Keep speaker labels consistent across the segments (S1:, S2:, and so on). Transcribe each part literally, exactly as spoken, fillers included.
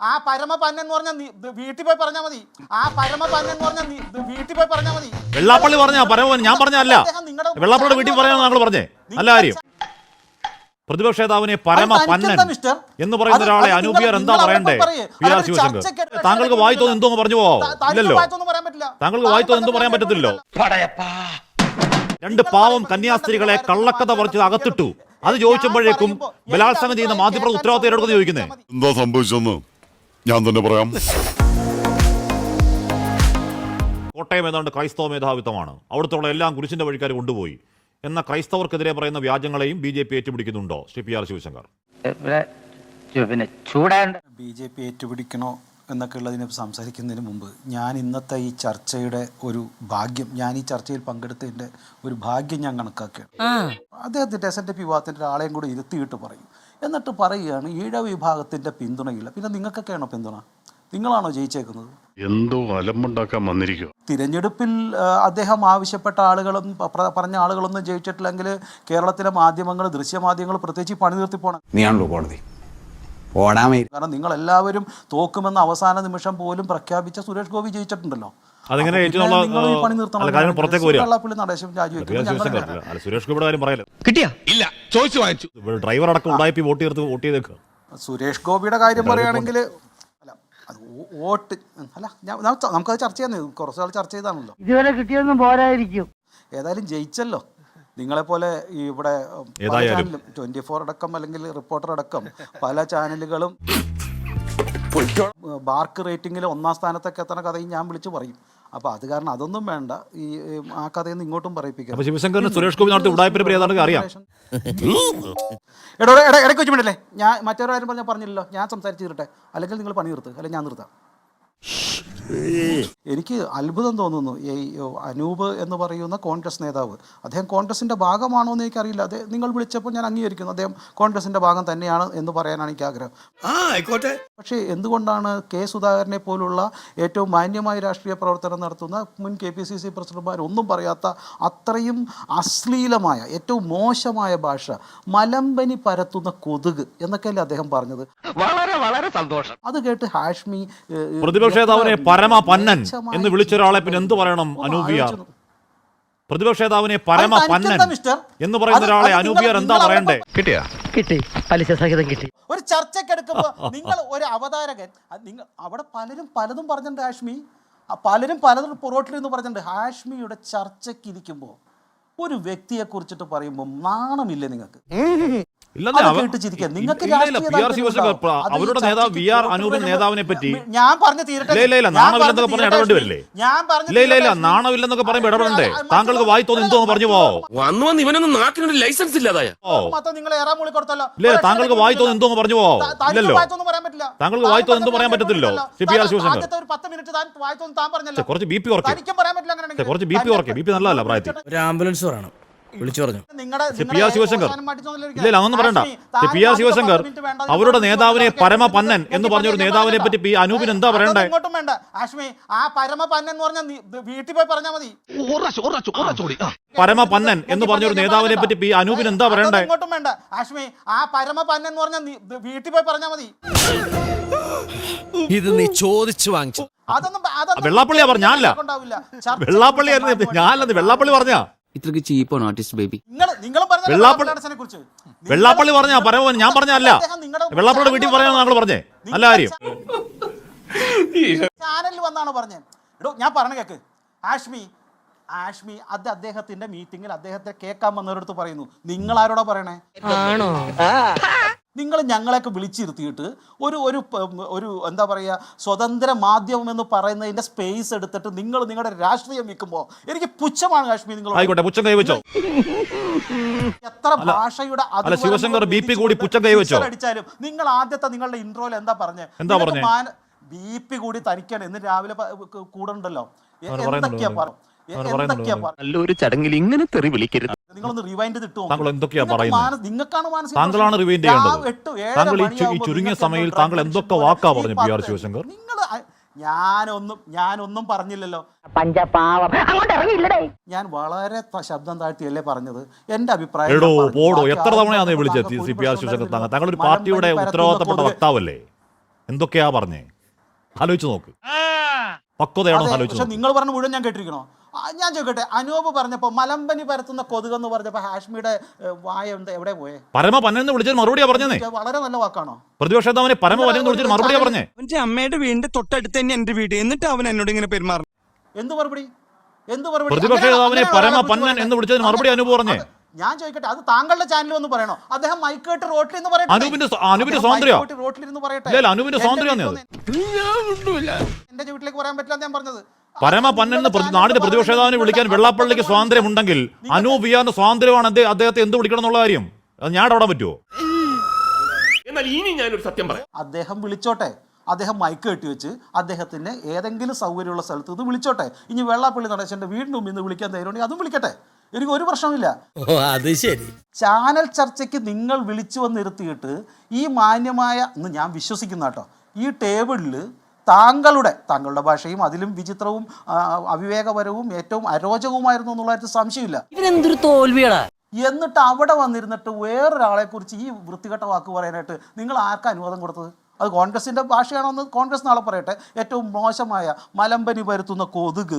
S1: ആ പരമപന്നൻ എന്ന് പറഞ്ഞാൽ വീട്ടിൽ പോയി പറഞ്ഞാൽ മതി. ആ പരമപന്നൻ എന്ന് പറഞ്ഞാൽ വീട്ടിൽ പോയി പറഞ്ഞാൽ മതി.
S2: വെള്ളാപ്പള്ളി പറഞ്ഞ പരമപന്നൻ ഞാൻ പറഞ്ഞല്ല. വെള്ളാപ്പള്ളിയുടെ വീട്ടിൽ പറയാൻ താങ്കൾ പറഞ്ഞേ നല്ല കാര്യം. പ്രതിപക്ഷ നേതാവിനെ പരമപന്നൻ എന്ന് പറയുന്ന ഒരാളെ അനൂപിയാർ എന്താ പറയണ്ടേ? പി ആർ ശിവശങ്കർ താങ്കൾക്ക് വായി തോന്നുന്നു എന്തോ പറഞ്ഞു പോവോ? ഇല്ലല്ലോ, താങ്കൾക്ക് വായി തോന്നുന്നു എന്തോ പറയാൻ പറ്റത്തില്ലോ. രണ്ട് പാവം കന്യാസ്ത്രീകളെ കള്ളക്കഥ പറിച്ച് അകത്തിട്ടു. അത് ചോദിച്ചപ്പോഴേക്കും ബലാത്സംഗം ചെയ്യുന്ന മാധ്യമപ്രവർത്തകർ ഉത്തരവാദിത്തം എടുക്കുന്ന ചോദിക്കുന്നേ
S3: എന്താ സംഭവിച്ചെന്ന് ഞാൻ തന്നെ പറയാം.
S2: കോട്ടയം ഏതാണ്ട് ക്രൈസ്തവ മേധാവിത്വമാണ്. അവിടുത്തെ എല്ലാം കുരിശിന്റെ വഴിക്കാർ കൊണ്ടുപോയി എന്ന ക്രൈസ്തവർക്കെതിരെ പറയുന്ന വ്യാജങ്ങളെയും ബി ജെ പി ഏറ്റുപിടിക്കുന്നുണ്ടോ? Shri P R Sivasankar
S1: B J P ഏറ്റുപിടിക്കണോ എന്നൊക്കെ ഉള്ളതിനെ സംസാരിക്കുന്നതിന് മുമ്പ് ഞാൻ ഇന്നത്തെ ഈ ചർച്ചയുടെ ഒരു ഭാഗ്യം, ഞാൻ ഈ ചർച്ചയിൽ പങ്കെടുത്തതിൻ്റെ ഒരു ഭാഗ്യം ഞാൻ കണക്കാക്കുകയാണ്. അദ്ദേഹത്തിൻ്റെ എസ് എൻ ഡി പി വിഭാഗത്തിൻ്റെ ഒരാളെയും കൂടി ഇരുത്തിയിട്ട് പറയും. എന്നിട്ട് പറയുകയാണ് ഈഴവ വിഭാഗത്തിൻ്റെ പിന്തുണയില്ല. പിന്നെ നിങ്ങൾക്കൊക്കെയാണോ പിന്തുണ? നിങ്ങളാണോ ജയിച്ചേക്കുന്നത്?
S3: എന്തോ അലമ്പുണ്ടാക്കാൻ വന്നിരിക്കുക.
S1: തിരഞ്ഞെടുപ്പിൽ അദ്ദേഹം ആവശ്യപ്പെട്ട ആളുകളും പറഞ്ഞ ആളുകളൊന്നും ജയിച്ചിട്ടില്ലെങ്കിൽ കേരളത്തിലെ മാധ്യമങ്ങൾ, ദൃശ്യമാധ്യമങ്ങൾ പ്രത്യേകിച്ച് പണി നിർത്തി പോകണം.
S4: നീയാണല്ലോ കോടതി.
S1: കാരണം നിങ്ങൾ എല്ലാവരും തോക്കുമെന്ന അവസാന നിമിഷം പോലും പ്രഖ്യാപിച്ച സുരേഷ് ഗോപി ജയിച്ചിട്ടുണ്ടല്ലോ.
S2: സുരേഷ് ഗോപിയുടെ കാര്യം പറയല്ലോ. ഡ്രൈവർ അടക്കം ഉടായിപ്പി വോട്ട് ചെയ്ത് വോട്ട് ചെയ്തേക്കുക.
S1: സുരേഷ് ഗോപിയുടെ കാര്യം പറയുകയാണെങ്കിൽ അല്ല, അത് വോട്ട് അല്ല, നമുക്കത് ചർച്ച ചെയ്യാൻ കുറച്ച് നാൾ ചർച്ച ചെയ്താണല്ലോ.
S5: ഇതുവരെ കിട്ടിയൊന്നും പോരായിരിക്കും.
S1: ഏതായാലും ജയിച്ചല്ലോ. നിങ്ങളെപ്പോലെ ഈ ഇവിടെ ട്വന്റി ഫോർ അടക്കം അല്ലെങ്കിൽ റിപ്പോർട്ടർ അടക്കം പല ചാനലുകളും ബാർക്ക് റേറ്റിംഗിൽ ഒന്നാം സ്ഥാനത്തൊക്കെ എത്തുന്ന കഥയും ഞാൻ വിളിച്ചു പറയും. അപ്പൊ അത് കാരണം അതൊന്നും വേണ്ട, ഈ ആ കഥയൊന്നും ഇങ്ങോട്ടും പറയിപ്പിക്കാം.
S2: ശിവശങ്കറിന് സുരേഷ് ഗോപി നടത്തി ഉടായ്പ അറിയാം.
S1: എടോ ഇടയ്ക്ക് വെച്ച് വേണ്ടല്ലേ, ഞാൻ മറ്റൊരു കാര്യം പറഞ്ഞാൽ പറഞ്ഞില്ലല്ലോ, ഞാൻ സംസാരിച്ച് തീരട്ടെ, അല്ലെങ്കിൽ നിങ്ങൾ പണി നിർത്ത്, അല്ലെങ്കിൽ ഞാൻ നിർത്താം. എനിക്ക് അത്ഭുതം തോന്നുന്നു ഈ അനൂപ് എന്ന് പറയുന്ന കോൺഗ്രസ് നേതാവ്, അദ്ദേഹം കോൺഗ്രസിൻ്റെ ഭാഗമാണോ എന്ന് എനിക്കറിയില്ല. അത് നിങ്ങൾ വിളിച്ചപ്പോൾ ഞാൻ അംഗീകരിക്കുന്നു, അദ്ദേഹം കോൺഗ്രസിൻ്റെ ഭാഗം തന്നെയാണ് എന്ന് പറയാനാണ് എനിക്ക് ആഗ്രഹം. പക്ഷേ എന്തുകൊണ്ടാണ് കെ സുധാകരനെ പോലുള്ള ഏറ്റവും മാന്യമായ രാഷ്ട്രീയ പ്രവർത്തനം നടത്തുന്ന മുൻ കെ പി സി സി പ്രസിഡന്റുമാർ ഒന്നും പറയാത്ത അത്രയും അശ്ലീലമായ ഏറ്റവും മോശമായ ഭാഷ, മലമ്പനി പരത്തുന്ന കൊതുക് എന്നൊക്കെയല്ലേ അദ്ദേഹം പറഞ്ഞത്?
S6: വളരെ വളരെ സന്തോഷം.
S1: അത് കേട്ട് ഹാഷ്മി
S2: പ്രതിപക്ഷ നേതാവിനെ പരമപന്നൻ എന്ന് വിളിച്ചൊരാളെ പിന്നെ എന്ത് പറയണം അനൂപിയാർ? പ്രതിപക്ഷ നേതാവിനെ പരമപന്നൻ എന്ന് പറയുന്ന ഒരാളെ അനൂപിയാർ എന്താ പറയണ്ടേ?
S6: കിട്ടിയാ കിട്ടി, പലിശ സഹിതം കിട്ടി.
S1: ഒരു ചർച്ചയ്ക്കെടുക്കുമ്പോ നിങ്ങൾ ഒരു അവതാരകൻ, നിങ്ങൾ അവിടെ പലരും പലതും പറഞ്ഞിട്ടുണ്ട്. ഹാഷ്മി പലരും പലതും പുറോട്ടിൽ എന്ന് പറഞ്ഞിട്ടുണ്ട്. ഹാഷ്മിയുടെ ചർച്ചയ്ക്ക് ഇരിക്കുമ്പോൾ ഒരു വ്യക്തിയെ കുറിച്ചിട്ട് പറയുമ്പോൾ നാണമില്ലേ നിങ്ങൾക്ക്?
S2: അവരുടെ നേതാവ് വി ആർ അനൂപിന്റെ നേതാവിനെ പറ്റി
S1: ഞാൻ പറഞ്ഞു തീരട്ടെ.
S2: നാണമില്ലെന്നൊക്കെ പറഞ്ഞ ഇടപെടണ്ടേ? നാണമില്ലെന്നൊക്കെ പറയുമ്പോ ഇടപെടണ്ടേ? താങ്കൾക്ക് വായി തോന്നി എന്തോ പറഞ്ഞു പോവോ?
S6: ലൈസൻസ് ഇല്ലാതായ
S1: നിങ്ങൾ ഏറാ മൂളി കൊടുത്തല്ലോ.
S2: ഇല്ലേ, താങ്കൾക്ക് വായി തോന്നി എന്തോ പറഞ്ഞു പോവോ? ഇല്ലല്ലോ, താങ്കൾക്ക് വായി തോന്നി എന്തോ പറയാൻ പറ്റത്തില്ലോ. പി ആർ ശിവശങ്കർ കുറച്ച് ബി പി ഓർക്കെ, കുറച്ച് ബി പി ഓർക്കെ. ബി പി നല്ലതല്ല പ്രായത്തിൽ.
S4: ഒരു ആംബുലൻസ് പറയണം, വിളിച്ചു പറഞ്ഞു.
S2: പി ആർ ശിവശങ്കർ ഇല്ല അതൊന്നും പറയണ്ട. പി ആർ ശിവശങ്കർ അവരുടെ നേതാവിനെ പരമപന്നൻ എന്ന് പറഞ്ഞൊരു നേതാവിനെ പറ്റി പി അനൂപിന് എന്താ പറയണ്ടേ?
S1: ആ പരമപന്നൻ എന്ന് പറഞ്ഞാൽ വീട്ടിൽ പോയി പറഞ്ഞാൽ മതി.
S2: പരമപന്നൻ എന്ന് പറഞ്ഞൊരു നേതാവിനെ പറ്റി പി അനൂപിന് എന്താ പറയണ്ടേ?
S1: ഇങ്ങോട്ടും വേണ്ട ഹാഷ്മി. ആ പരമപന്നൻ എന്ന് പറഞ്ഞാൽ വീട്ടിൽ പോയി പറഞ്ഞാൽ മതി.
S4: ഇത് നീ ചോദിച്ചു വാങ്ങിച്ചു.
S2: വെള്ളാപ്പള്ളിയാ പറഞ്ഞ ഞാനല്ല, വെള്ളാപ്പള്ളി ഞാനല്ലെന്ന് വെള്ളാപ്പള്ളി പറഞ്ഞ.
S4: ഇത്രക്ക് ചീപ്പാണ് ആർട്ടിസ്റ്റ് ബേബി.
S2: വെള്ളാപ്പള്ളി പറഞ്ഞ പരമപന്നൻ ഞാൻ പറഞ്ഞല്ല. വെള്ളാപ്പള്ളിയുടെ വീട്ടിൽ പറയാൻ താങ്കൾ പറഞ്ഞേ നല്ല കാര്യം.
S1: ചാനലിൽ വന്നാണ് പറഞ്ഞത്. എടോ ഞാൻ പറഞ്ഞ കേക്ക് ഹാഷ്മി ഹാഷ്മി അത് അദ്ദേഹത്തിന്റെ മീറ്റിംഗിൽ അദ്ദേഹത്തെ കേൾക്കാൻ വന്നവരടുത്ത് പറയുന്നു. നിങ്ങൾ ആരോടാ പറയണേ? നിങ്ങൾ ഞങ്ങളെയൊക്കെ വിളിച്ചിരുത്തിയിട്ട് ഒരു ഒരു ഒരു എന്താ പറയുക സ്വതന്ത്ര മാധ്യമം എന്ന് പറയുന്നതിന്റെ സ്പേസ് എടുത്തിട്ട് നിങ്ങൾ നിങ്ങളുടെ രാഷ്ട്രീയം വിൽക്കുമ്പോൾ എനിക്ക് പുച്ഛമാണ് കാശ്മീർ. നിങ്ങൾ
S2: ആയിക്കോട്ടെ, പുച്ഛം കൈവച്ചോ.
S1: എത്ര ഭാഷയുടെ
S2: ശിവശങ്കർ ബി പി കൂടി പുച്ഛം കൈവച്ചോ
S1: അടിച്ചാലും നിങ്ങൾ ആദ്യത്തെ നിങ്ങളുടെ ഇൻട്രോയിൽ എന്താ പറഞ്ഞത്?
S2: എന്താ പറഞ്ഞത്?
S1: ബി പി കൂടി തനിക്കാണ് എന്ന് രാവിലെ കൂടെ ഉണ്ടല്ലോ. എന്തൊക്കെയാ പറഞ്ഞു?
S6: നല്ലൊരു ചടങ്ങിൽ ഇങ്ങനെ തെറി വിളിക്കരുത്.
S1: നിങ്ങളൊന്ന് റിവൈൻഡ് ചെയ്തിട്ട്
S2: താങ്കൾ എന്തൊക്കെയാ പറയുന്നത്?
S1: നിങ്ങൾക്കാണ് മാനസിക,
S2: താങ്കളാണ് റിവൈൻഡ് ചെയ്യേണ്ടത്. താങ്കൾ ഈ ചുരുങ്ങിയ സമയത്ത് താങ്കൾ എന്തൊക്കെ വാക്കാ പറഞ്ഞു പി ആർ ശിവശങ്കർ?
S1: നിങ്ങൾ ഞാനൊന്നും ഞാനൊന്നും പറഞ്ഞില്ലല്ലോ. ഞാൻ വളരെ ശബ്ദം താഴ്ത്തിയല്ലേ പറഞ്ഞത്. എന്റെ അഭിപ്രായം
S2: പോടോ എത്ര തവണയാണ് വിളിച്ചത് പി ആർ ശിവശങ്കർ? താങ്കൾ ഒരു പാർട്ടിയുടെ ഉത്തരവാദിത്തപ്പെട്ട വക്താവല്ലേ? എന്തൊക്കെയാ പറഞ്ഞേ? ആലോചിച്ച് നോക്ക്. പക്വതയാണോ
S1: അതെ,
S2: ആലോചിച്ച്
S1: പക്ഷെ
S2: നോക്ക്.
S1: നിങ്ങൾ പറഞ്ഞ മുഴുവൻ ഞാൻ കേട്ടിരിക്കണോ? ആ, ഞാൻ ചോദിക്കട്ടെ, അനൂപ് പറഞ്ഞപ്പോ മലമ്പനി പരത്തുന്ന കൊതുകെന്ന് പറഞ്ഞപ്പോ ഹാഷ്മിയുടെ ഏഹ്, വായ ഉണ്ട് എവിടെ പോയേ?
S2: പരമ പന്നെന്ന് വിളിച്ചത് മറുപടിയാ പറഞ്ഞേ.
S1: ഇത് വളരെ നല്ല വാക്കാണോ?
S2: പ്രതിപക്ഷ നേതാവിനെ പരമ പന്നെന്ന് വിളിച്ചത് മറുപടിയാ പറഞ്ഞേ.
S7: അവന്റെ അമ്മയുടെ വീടിന്റെ തൊട്ടടുത്ത് തന്നെ എന്റെ വീട്, എന്നിട്ട് അവൻ എന്നോട് ഇങ്ങനെ പെരുമാറും.
S1: എന്ത് മറുപടി? എന്ത് മറുപടി?
S2: പ്രതിപക്ഷ
S1: അങ്ങനെ-
S2: നേതാവിനെ
S1: അങ്ങനെ
S2: പരമ
S1: ഒരാളെ
S2: പന്നൻ
S1: കുറിച്ച്
S2: എന്ന് വിളിച്ചതിന് മറുപടി
S1: അത്
S2: അനൂപ് പറഞ്ഞേ.
S1: ഞാൻ ചോദിക്കട്ടെ, അത് താങ്കളുടെ ചാനലിൽ ഒന്ന് പറയണോ? അദ്ദേഹം മൈക്കേട്ട് റോട്ടിൽ നിന്ന് പറയട്ടെ.
S2: അനൂപിന്റെ സ്വ- അനൂപിന്റെ
S1: അദ്ദേഹം
S2: സ്വാതന്ത്ര്യമോ?
S1: മൈക്കേട്ട് റോട്ടിലിരുന്ന് പറയട്ടെ.
S2: ഇല്ല, അനൂപിന്റെ
S1: എന്റെ
S2: സ്വാതന്ത്ര്യമല്ലേ അത്?
S1: എന്റെ വീട്ടിലേക്ക് പറയാൻ പറ്റില്ല ഞാൻ പറഞ്ഞത്.
S2: പരമ പന്നെന്ന് പ്രതി- നാടിന്റെ പ്രതിപക്ഷ നേതാവിനെ വിളിക്കാൻ വെള്ളാപ്പള്ളിക്ക് സ്വാതന്ത്ര്യമുണ്ടെങ്കിൽ അനൂപ് വിയാറിന്റെ സ്വാതന്ത്ര്യമാണ് അദ്ദേഹം അദ്ദേഹത്തെ എന്ത് വിളിക്കണം എന്നുള്ള കാര്യം. അത് ഞാൻ ഇടപെടാൻ പറ്റുമോ?
S6: എന്നാൽ ഇനി ഞാനൊരു സത്യം പറയാം.
S1: അദ്ദേഹം വിളിച്ചോട്ടെ, അദ്ദേഹം മൈക്ക് കെട്ടി വെച്ച് അദ്ദേഹത്തിന് ഏതെങ്കിലും സൗകര്യമുള്ള സ്ഥലത്ത് നിന്ന് വിളിച്ചോട്ടെ. ഇനി വെള്ളാപ്പള്ളി നടേശന്റെ വീടിന് മുമ്പിൽ നിന്ന് വിളിക്കാൻ തരുവാണെങ്കിൽ അതും വിളിക്കട്ടെ, എനിക്ക് ഒരു പ്രശ്നമില്ല.
S4: ഓ അത് ശരി.
S1: ചാനൽ ചർച്ചയ്ക്ക് നിങ്ങൾ വിളിച്ചു വന്നിരുത്തിയിട്ട് ഈ മാന്യമായ എന്ന് ഞാൻ വിശ്വസിക്കുന്ന കേട്ടോ ഈ ടേബിളിൽ താങ്കളുടെ താങ്കളുടെ ഭാഷയും അതിലും വിചിത്രവും ആ, അവിവേകപരവും ഏറ്റവും അരോചകവുമായിരുന്നു എന്നുള്ള കാര്യത്തിൽ സംശയമില്ല.
S5: ഇവനെന്തൊരു തോൽവിയാടാ.
S1: എന്നിട്ട് അവിടെ വന്നിരുന്നിട്ട് വേറൊരാളെ കുറിച്ച് ഈ വൃത്തികെട്ട വാക്ക് പറയാനായിട്ട് നിങ്ങൾ ആർക്കാ അനുവാദം കൊടുത്തത്? അത് കോൺഗ്രസിന്റെ ഭാഷയാണോ എന്ന് കോൺഗ്രസ് നാളെ പറയട്ടെ. ഏറ്റവും മോശമായ മലമ്പനി പരത്തുന്ന കൊതുക്,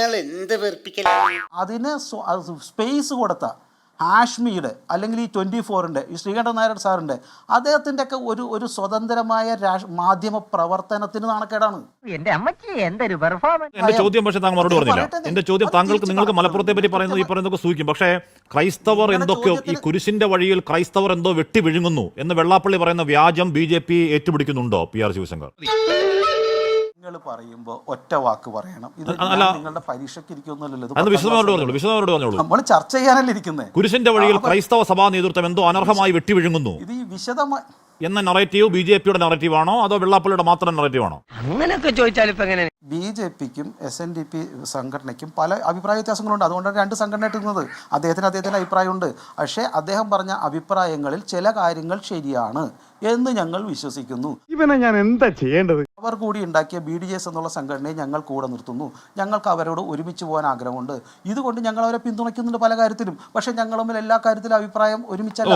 S1: അതിന് സ്വ- അത് സ്പേസ് കൊടുത്ത ഹാഷ്മിയുടെ അല്ലെങ്കിൽ ഈ ട്വൻറ്റി ഫോറിൻ്റെ ഈ ശ്രീകണ്ഠൻ നായർ സാറിൻ്റെ അദ്ദേഹത്തിൻ്റെ ഒക്കെ ഒരു ഒരു സ്വതന്ത്രമായ രാഷ് മാധ്യമ പ്രവർത്തനത്തിന് നാണക്കേടാണ്.
S5: എന്റെ അമ്മച്ചി എന്തൊരു പെർഫോമൻസ്.
S2: എന്റെ ചോദ്യം പക്ഷേ താങ്കൾ മറുപടി പറഞ്ഞില്ല.
S1: പറയട്ടെ,
S2: എന്റെ ചോദ്യം
S1: അത്
S2: താങ്കൾക്ക്
S1: തിരിച്ച്
S2: നിങ്ങൾക്ക്
S1: പറ.
S2: മലപ്പുറത്തെ പറ്റി പറയുന്നത് ഈ പറയുന്നതൊക്കെ സൂചിക്കും. പക്ഷേ ക്രൈസ്തവർ
S1: നിങ്ങളുടെ
S2: എന്തൊക്കെയോ ഈ
S1: ചോദ്യത്തിന്
S2: കുരിശിന്റെ വഴിയിൽ ക്രൈസ്തവർ എന്തോ വെട്ടി വിഴുങ്ങുന്നു എന്ന് വെള്ളാപ്പള്ളി പറയുന്ന വ്യാജം ബി ജെ പി ഏറ്റുപിടിക്കുന്നുണ്ടോ പി ആർ ശിവശങ്കർ?
S1: നിങ്ങൾ പറയുമ്പോൾ ഒറ്റ വാക്ക് പറയണം. ഇത്
S2: അല്ല.
S1: ഞാൻ നിങ്ങളുടെ പരീക്ഷയ്ക്ക് ഇരിക്കുന്നില്ലല്ലോ.
S2: അന്ന് വിശദമായിട്ട് പറഞ്ഞോളൂ വിശദമായിട്ട് പറഞ്ഞോളൂ.
S1: നമ്മൾ ചർച്ച ചെയ്യാനല്ലേ ഇരിക്കുന്നത്.
S2: കുരിശിന്റെ വഴിയിൽ ക്രൈസ്തവ സഭാ നേതൃത്വം എന്തോ അനർഹമായി വെട്ടി വിഴുങ്ങുന്നു
S1: ഇത് ഈ വിശദമായി
S2: എന്ന നറേറ്റീവ് ബി ജെ പിയുടെ നറേറ്റീവ് ആണോ അതോ വെള്ളാപ്പള്ളിയുടെ മാത്രം നറേറ്റീവ് ആണോ?
S5: അങ്ങനെയൊക്കെ ചോദിച്ചാൽ ഇപ്പൊ എങ്ങനെ?
S1: ബി ജെ പിക്കും എസ് എൻ ഡി പി സംഘടനയ്ക്കും പല അഭിപ്രായ വ്യത്യാസങ്ങളുണ്ട്. അതുകൊണ്ടാണ് രണ്ട് സംഘടനയായിട്ട് ഇരുന്നത്. അദ്ദേഹത്തിന് അദ്ദേഹത്തിൻ്റെ അഭിപ്രായമുണ്ട്. പക്ഷേ അദ്ദേഹം പറഞ്ഞ അഭിപ്രായങ്ങളിൽ ചില കാര്യങ്ങൾ ശരിയാണ് എന്ന് ഞങ്ങൾ വിശ്വസിക്കുന്നു.
S7: ഇവനെ ഞാൻ എന്താ ചെയ്യേണ്ടത്?
S1: അവർ കൂടി ഉണ്ടാക്കിയ ബി ഡി എസ് എന്നുള്ള സംഘടനയെ ഞങ്ങൾ കൂടെ നിർത്തുന്നു. ഞങ്ങൾക്ക് അവരോട് ഒരുമിച്ച് പോകാൻ ആഗ്രഹമുണ്ട്. ഇതുകൊണ്ട് ഞങ്ങൾ അവരെ പിന്തുണയ്ക്കുന്നുണ്ട് പല കാര്യത്തിലും. പക്ഷേ ഞങ്ങൾ തമ്മിൽ എല്ലാ കാര്യത്തിലും അഭിപ്രായം ഒരുമിച്ചല്ല.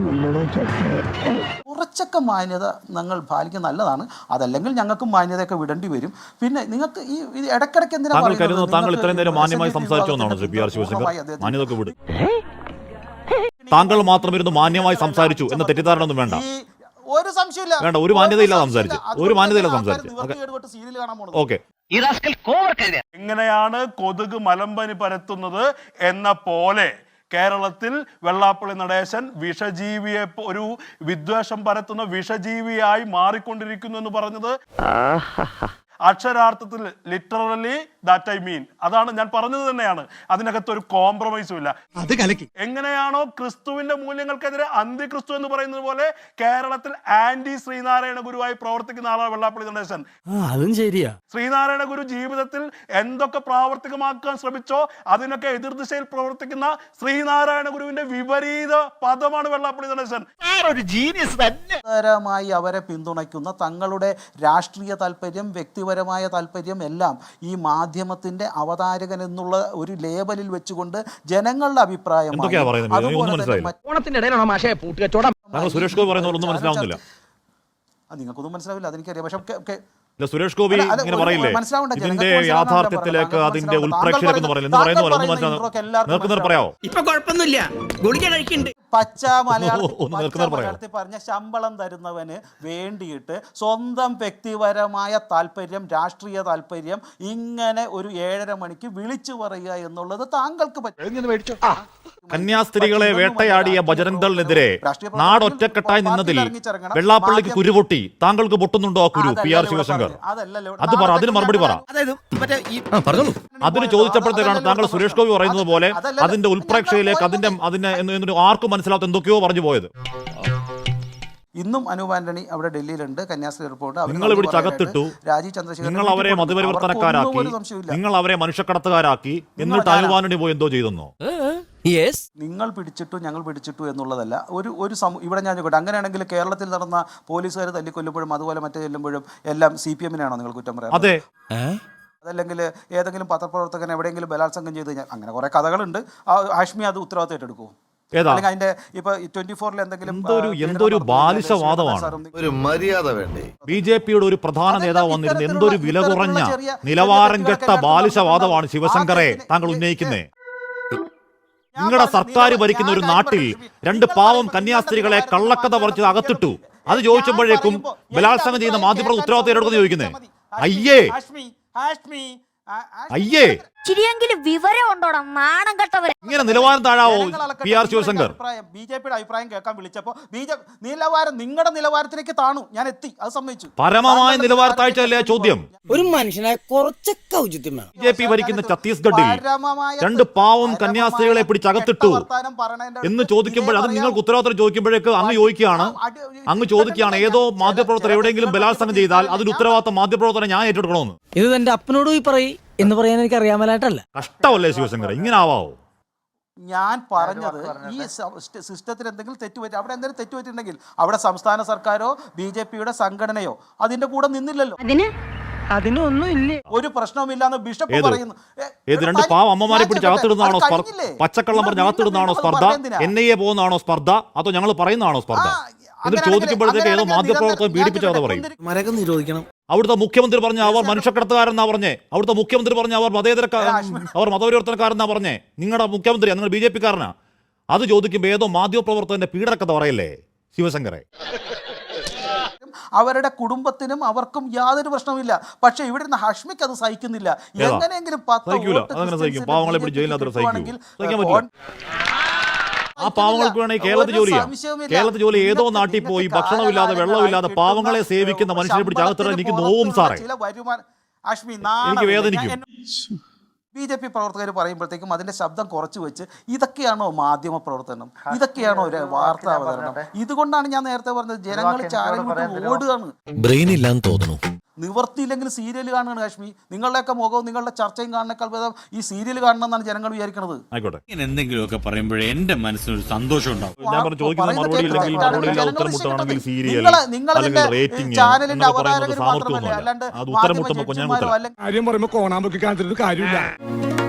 S1: കുറച്ചൊക്കെ മാന്യത ഞങ്ങൾ പാലിക്കുന്നത് നല്ലതാണ്. അതല്ലെങ്കിൽ ഞങ്ങൾക്ക് മാന്യതയൊക്കെ വിടേണ്ടി വരും. പിന്നെ നിങ്ങൾക്ക് ഈ ഇത് ഇടയ്ക്കിടയ്ക്ക് എന്തിനാ
S2: താങ്കൾ
S1: പറയുന്നത്?
S2: കരുതുന്നു താങ്കൾ ഇത്രയും നേരം
S1: നിങ്ങൾക്ക്
S2: മാന്യമായി
S1: എസ് എൻ ഡി പി
S2: സംസാരിച്ചു എന്നാണ്
S1: വിഭാഗത്തിന്റെ
S2: പി ആർ ശിവശങ്കർ?
S1: പൂർണ്ണമായി അദ്ദേഹത്തിന്
S2: മാന്യതൊക്കെ വിടും. താങ്കൾ മാത്രം ഇരുന്ന് മാന്യമായി സംസാരിച്ചു എന്ന തെറ്റിദ്ധാരണ ഒന്നും വേണ്ട.
S1: ഈ ഒരു സംശയമില്ല.
S2: വേണ്ട, ഒരു മാന്യതയില്ല സംസാരിച്ചു. ഒരു മാന്യതയില്ല
S1: സംസാരിച്ചു.
S2: സംസാരിച്ചു.
S1: സീരിയൽ കാണാൻ പോകുന്നത്.
S2: ഓക്കെ.
S8: എങ്ങനെയാണ് കൊതുക് മലമ്പനി പരത്തുന്നത് എന്ന പോലെ കേരളത്തിൽ വെള്ളാപ്പള്ളി നടേശൻ വിഷജീവിയെ പോ- ഒരു വിദ്വേഷം പരത്തുന്ന വിഷജീവിയായി മാറിക്കൊണ്ടിരിക്കുന്നു എന്ന് പറഞ്ഞത് അക്ഷരാർത്ഥത്തിൽ ലിറ്ററലി ദാറ്റ് ഐ മീൻ അതാണ് ഞാൻ പറഞ്ഞത് തന്നെയാണ്. അതിനകത്ത് ഒരു കോംപ്രമൈസും ഇല്ല.
S7: അത് കലക്കി.
S8: എങ്ങനെയാണോ ക്രിസ്തുവിന്റെ മൂല്യങ്ങൾക്കെതിരെ അന്ത്യക്രിസ്തു എന്ന് പറയുന്നത് പോലെ കേരളത്തിൽ ആന്റി ശ്രീനാരായണ ഗുരുവായി പ്രവർത്തിക്കുന്ന ആളാണ് വെള്ളാപ്പള്ളി നടേശൻ.
S4: അതും ശരിയാ.
S8: ശ്രീനാരായണ ഗുരു ജീവിതത്തിൽ എന്തൊക്കെ പ്രാവർത്തികമാക്കാൻ ശ്രമിച്ചോ അതിനൊക്കെ എതിർദിശയിൽ പ്രവർത്തിക്കുന്ന ശ്രീനാരായണ ഗുരുവിന്റെ വിപരീത പദമാണ് വെള്ളാപ്പള്ളി നടേശൻ.
S1: മായി അവരെ പിന്തുണയ്ക്കുന്ന തങ്ങളുടെ രാഷ്ട്രീയ താല്പര്യം വ്യക്തിപരമായ താല്പര്യം എല്ലാം ഈ മാധ്യമത്തിന്റെ അവതാരകൻ എന്നുള്ള ഒരു ലേബലിൽ വെച്ചുകൊണ്ട് ജനങ്ങളുടെ അഭിപ്രായം
S2: എന്തൊക്കെയാ പറയുന്നത്? ഒന്നും മനസ്സിലായില്ല.
S5: ഓണത്തിന്റെ ഇടയിലാണോ മാഷേ പൂട്ടുകച്ചോടം?
S2: താങ്കൾ സുരേഷ് ഗോപി പറയുന്ന ഒന്നും മനസ്സിലാവുന്നില്ല.
S1: നിങ്ങൾക്കൊന്നും മനസ്സിലാവില്ല, അതെനിക്കറിയാം. പക്ഷെ ഒക്കെ- ഒക്കെ
S2: ഇല്ല, സുരേഷ് ഗോപി
S1: അല്ല, അല്ല,
S2: ഇങ്ങനെ
S1: ഒരു-
S2: പറയില്ലേ
S1: മനസ്സിലാവണ്ട,
S2: ഇതിന്റെ
S1: ജനങ്ങൾക്ക് മനസ്സിലാവണ്ട,
S2: യാഥാർത്ഥ്യത്തിലേക്ക്
S1: താങ്കൾ
S2: അതിന്റെ
S1: പറയുന്ന-
S2: ഉൾപ്രേക്ഷയിലേക്ക് എന്ന് പറയില്ല എന്ന്
S1: താങ്കൾ
S2: പറയുന്ന പോലെ ഒന്നും
S1: പറയുന്ന
S2: മനസ്സിലാവും.
S1: ഇൻട്രോക്ക് എല്ലാവർക്കും
S2: നേർക്കുന്നവർ പറയാവോ?
S4: ഇപ്പൊ കുഴപ്പമൊന്നുമില്ല, ഗുളിക കഴിക്കുന്നുണ്ട്.
S1: പച്ച മലയാളത്തിൽ
S2: ഒന്ന്
S1: പച്ച
S2: നിർത്തുന്നത് പറയാമോ?
S1: മലയാളത്തിൽ പറഞ്ഞ ശമ്പളം തരുന്നവന് വേണ്ടിയിട്ട് സ്വന്തം വ്യക്തിപരമായ താല്പര്യം രാഷ്ട്രീയ താല്പര്യം ഇങ്ങനെ ഒരു ഏഴര മണിക്ക് വിളിച്ചു പറയുക എന്നുള്ളത് താങ്കൾക്ക് പറ്റും.
S2: കന്യാസ്ത്രീകളെ വേട്ടയാടിയ ബജരംഗ് ദളിനെതിരെ നാടൊറ്റക്കെട്ടായി നിന്നതിൽ വെള്ളാപ്പള്ളിക്ക് കുരുപൊട്ടി. താങ്കൾക്ക് പൊട്ടുന്നുണ്ടോ ആ കുരു പി ആർ ശിവശങ്കർ? അത് പറ, അതിന് മറുപടി പറ.
S4: അതായത് മറ്റേ ഈ പറഞ്ഞോളൂ.
S2: അതിന് ചോദിച്ചപ്പോഴത്തേക്കാണ് താങ്കൾ സുരേഷ് ഗോപി പറയുന്നത് പോലെ അതിന്റെ ഉൾപ്രേക്ഷയിലേക്ക് അതിന്റെ അതിന്റെ എന്ന് ആർക്കും മനസ്സിലാത്ത എന്തൊക്കെയോ പറഞ്ഞു പോയത്.
S1: ഇന്നും അനൂപ് ആന്റണി അവിടെ ഡൽഹിയിലുണ്ട്, കന്യാസ്ത്രീ റിപ്പോർട്ട്.
S2: നിങ്ങൾ പിടിച്ച് അകത്തിട്ടു.
S1: രാജീവ് ചന്ദ്രശേഖരൻ
S2: നിങ്ങൾ അവരെ മതപരിവർത്തനക്കാരാക്കി, നിങ്ങൾ അവരെ മനുഷ്യക്കടത്തുകാരാക്കി. എന്നിട്ട് അനൂപ് ആന്റണി പോയി എന്തോ ചെയ്തെന്നോ?
S1: നിങ്ങൾ പിടിച്ചിട്ടു ഞങ്ങൾ പിടിച്ചിട്ടു എന്നുള്ളതല്ല ഒരു ഒരു സമൂ ഇവിടെ ഞാൻ ചോദിക്കട്ടെ, അങ്ങനെയാണെങ്കിൽ കേരളത്തിൽ നടന്ന പോലീസുകാർ തല്ലിക്കൊല്ലുമ്പോഴും അതുപോലെ മറ്റേ ചെല്ലുമ്പോഴും എല്ലാം സി പി എമ്മിനാണോ നിങ്ങൾ കുറ്റം പറയാം?
S2: അതെ.
S1: അതല്ലെങ്കിൽ ഏതെങ്കിലും പത്രപ്രവർത്തകൻ എവിടെയെങ്കിലും ബലാത്സംഗം ചെയ്ത് കഴിഞ്ഞാൽ അങ്ങനെ കുറെ കഥകളുണ്ട്. ആ ഹാഷ്മി അത് ഉത്തരവാദിത്തം ഏറ്റെടുക്കുമോ?
S2: ഏതാ?
S1: അല്ലെങ്കിൽ അതിന്റെ ഇപ്പൊ ട്വന്റി ഫോറിൽ എന്തെങ്കിലും
S2: എന്തൊരു
S1: ആ,
S2: എന്തൊരു
S1: പീഡനം
S2: ബാലിശവാദമാണ്.
S1: നടത്തുന്ന
S9: ഒരു മര്യാദ വേണ്ടേ?
S2: ബി ജെ പിയുടെ ഒരു പ്രധാന നേതാവ് വന്നിരുന്നു എന്തൊരു വില കുറഞ്ഞ നിലവാരം കെട്ട ബാലിശവാദമാണ് ശിവശങ്കറെ താങ്കൾ ഉന്നയിക്കുന്നേ. നിങ്ങളുടെ സർക്കാർ ഭരിക്കുന്ന ഒരു നാട്ടിൽ രണ്ട് പാവം കന്യാസ്ത്രീകളെ കള്ളക്കഥ പറിച്ച് അകത്തിട്ടു. അത് ചോദിച്ചപ്പോഴേക്കും ബലാത്സംഗം ചെയ്യുന്ന മാധ്യമപ്രവർത്തകർ ഉത്തരവാദിത്തം എടുക്കുന്നത് ചോദിക്കുന്നേ. അയ്യേ അയ്യേ
S10: ചിരിയെങ്കിലും വിവരം ഉണ്ടോടാ നാണം കെട്ടവരെ.
S2: ഇങ്ങനെ നിലവാരം താഴാവോ P R Sivasankar?
S1: B J പിയുടെ അഭിപ്രായം കേൾക്കാൻ വിളിച്ചപ്പോ ബി ജെ നിലവാരം നിങ്ങളുടെ നിലവാരത്തിലേക്ക് താണു, ഞാൻ എത്തി, അത് സമ്മതിച്ചു.
S2: പരമമായ നിലവാര താഴ്ചയല്ലേ ചോദ്യം?
S4: ഒരു മനുഷ്യനായ കുറച്ചൊക്കെ ഔചിത്യം വേണം.
S2: ബി ജെ പി ഭരിക്കുന്ന ഛത്തീസ്ഗഡിൽ രണ്ട് പാവം കന്യാസ്ത്രീകളെ പിടിച്ചകത്തിട്ടു എന്ന് ചോദിക്കുമ്പോൾ അത് നിങ്ങൾക്ക് ഉത്തരവാദിത്തം ചോദിക്കുമ്പോഴേക്ക് അങ്ങ് ചോദിക്കുകയാണ് അങ്ങ് ചോദിക്കുകയാണ് ഏതോ മാധ്യമപ്രവർത്തകർ എവിടെയെങ്കിലും ബലാത്സംഗം ചെയ്താൽ അതിന് ഉത്തരവാദിത്തം മാധ്യമപ്രവർത്തനം ഞാൻ ഏറ്റെടുക്കണമെന്ന്.
S4: ഇത് എന്റെ അപ്പനോട് പോയി പറയും എന്ന് പറയാൻ എനിക്ക് അറിയാമലായിട്ടല്ല.
S2: കഷ്ടമല്ലേ ശിവശങ്കർ, ഇങ്ങനെ ആവാവോ?
S1: ഞാൻ പറഞ്ഞത് ഈ സിസ്റ്റത്തിൽ എന്തെങ്കിലും തെറ്റുപറ്റി, അവിടെ എന്തെങ്കിലും തെറ്റുപറ്റിയിട്ടുണ്ടെങ്കിൽ അവിടെ സംസ്ഥാന സർക്കാരോ ബി ജെ പിയുടെ സംഘടനയോ അതിന്റെ കൂടെ നിന്നില്ലല്ലോ.
S5: അതിനൊന്നും ഇല്ലേ,
S1: ഒരു പ്രശ്നവുമില്ലാന്ന് ബിഷപ്പ് പറയുന്നു.
S2: ഏത് രണ്ട് പാവം അമ്മമാരെ പിടിച്ച് അകത്തിടുന്നതാണോ സ്പർദ്ധ? പച്ചക്കള്ളം പറഞ്ഞ് അകത്തിടുന്നതാണോ സ്പർദ്ധ? എൻ ഐ എ പോകുന്നതാണോ സ്പർദ്ധ? അതോ ഞങ്ങൾ പറയുന്നതാണോ സ്പർദ്ധ? എന്നിട്ട് ചോദിക്കുമ്പോഴത്തേക്ക് ഏതോ മാധ്യമപ്രവർത്തകൻ പീഡിപ്പിച്ച കഥ പറയും.
S4: മരകം നിരോധിക്കണം.
S2: അവിടുത്തെ മുഖ്യമന്ത്രി പറഞ്ഞ അവർ മനുഷ്യക്കടത്തുകാരെന്നാ പറഞ്ഞേ. അവിടുത്തെ മുഖ്യമന്ത്രി പറഞ്ഞ അവർ മതേതരക്കാർ അവർ മതപരിവർത്തനക്കാരെന്നാ പറഞ്ഞേ. നിങ്ങളുടെ മുഖ്യമന്ത്രിയാ, നിങ്ങൾ ബി ജെ പിക്കാരനാ. അത് ചോദിക്കുമ്പോൾ ഏതോ മാധ്യമപ്രവർത്തകന്റെ പീഡനക്കഥ പറയല്ലേ ശിവശങ്കറെ?
S1: അവരുടെ കുടുംബത്തിനും അവർക്കും യാതൊരു പ്രശ്നവുമില്ല. പക്ഷെ ഇവിടെ നിന്ന് ഹഷ്മിക്ക് അത് സഹിക്കുന്നില്ല. എങ്ങനെയെങ്കിലും
S2: പാവങ്ങളെ പിടിച്ച് ജയിലിനകത്ത് സഹിക്കും. സഹിക്കാൻ പറ്റില്ല. ആ പാവങ്ങൾക്ക് വേണമെങ്കിൽ കേരളത്തിൽ ജോലി ചെയ്യാം. കേരളത്തിൽ ജോലി ഏതോ നാട്ടിൽ പോയി ഭക്ഷണമില്ലാതെ വെള്ളമില്ലാതെ പാവങ്ങളെ സേവിക്കുന്ന മനുഷ്യനെ പിടിച്ച് അകത്തിടാൻ എനിക്ക് നോവും സാറേ, എനിക്ക് വേദനിക്കും.
S1: ബി ജെ പി പ്രവർത്തകർ പറയുമ്പോഴത്തേക്കും അതിന്റെ ശബ്ദം കുറച്ചു വെച്ച് ഇതൊക്കെയാണോ മാധ്യമ പ്രവർത്തനം, ഇതൊക്കെയാണോ ഒരു വാർത്താ അവതരണം? ഇതുകൊണ്ടാണ് ഞാൻ നേരത്തെ പറഞ്ഞത് ജനങ്ങൾ ചാനൽ വിട്ട് ഓടുകയാണ്.
S4: ബ്രെയിൻ ഇല്ലാന്ന് തോന്നുന്നു.
S1: നിവർത്തിയില്ലെങ്കിൽ സീരിയൽ കാണുകയാണ് കാശ്മീർ. നിങ്ങളുടെയൊക്കെ മുഖവും നിങ്ങളുടെ ചർച്ചയും കാണുന്നേക്കാൾ ഭേദം ഈ സീരിയൽ കാണണമെന്നാണ് ജനങ്ങൾ വിചാരിക്കുന്നത്.
S2: ആയിക്കോട്ടെ,
S7: എന്തെങ്കിലുമൊക്കെ പറയുമ്പോഴേ എന്റെ മനസ്സിനൊരു സന്തോഷം ഉണ്ടാവും.
S2: ഞാൻ പറഞ്ഞു ചോദിക്കുന്ന മറുപടി ഇല്ലെങ്കിൽ മറുപടി ഇല്ല ഉത്തരം മുട്ടാണെങ്കിൽ സീരിയൽ അല്ലെങ്കിൽ റേറ്റിംഗ്
S1: ചാനലിന്റെ
S2: എന്നൊക്കെ പറയുന്നത്
S1: അവതാരകർ മാത്രമല്ല,
S2: സാമർത്ഥ്യമൊന്നുമല്ല.
S1: അല്ലാണ്ട്
S2: അത് ഉത്തരം മുട്ടുമ്പോൾ കുഞ്ഞാൻ കുത്തരം.
S7: കാര്യം പറയുമ്പോ കോണാമ്പൊക്കെ കാണിച്ചിട്ട് കാര്യമില്ല.